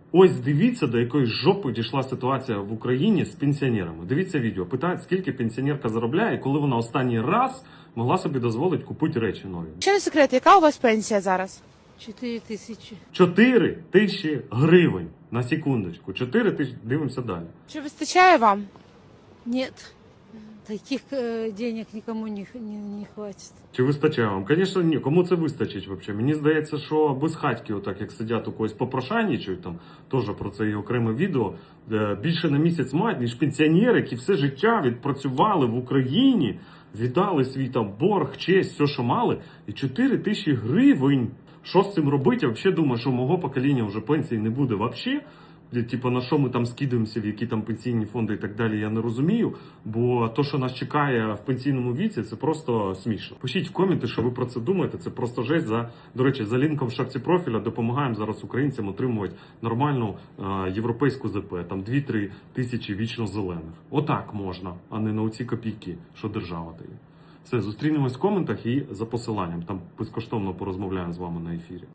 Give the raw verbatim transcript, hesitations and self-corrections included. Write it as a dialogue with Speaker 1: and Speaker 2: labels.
Speaker 1: Ось дивіться, до якої жопи дійшла ситуація в Україні з пенсіонерами. Дивіться відео. Питають, скільки пенсіонерка заробляє, і коли вона останній раз могла собі дозволити купити речі нові.
Speaker 2: Ще не секрет, яка у вас пенсія зараз?
Speaker 3: Чотири тисячі.
Speaker 1: Чотири тисячі гривень. На секундочку. Чотири тисячі. Дивимося далі.
Speaker 2: Чи вистачає вам?
Speaker 3: Нет. Таких э, денег никому не, не, не хватит.
Speaker 1: Чи вистачає вам? Звісно, ні. Кому це вистачить взагалі? Мені здається, що без хатьки, отак як сидять у когось попрошайничають, там теж про це є окреме відео, більше на місяць мають, ніж пенсіонери, які все життя відпрацювали в Україні, віддали свій там борг, честь, все, що мали, і чотири тисячі гривень. Що з цим робити? Я взагалі думаю, що мого покоління вже пенсії не буде взагалі. Типу, на що ми там скидаємося, в які там пенсійні фонди і так далі, я не розумію. Бо то, що нас чекає в пенсійному віці, це просто смішно. Пишіть в коменти, що ви про це думаєте. Це просто жесть. За, до речі, за лінком в шапці профіля допомагаємо зараз українцям отримувати нормальну е, європейську ЗП. Там дві-три тисячі вічно зелених. Отак можна, а не на оці копійки, що держава дає. Все, зустрінемось в коментах і за посиланням. Там безкоштовно порозмовляємо з вами на ефірі.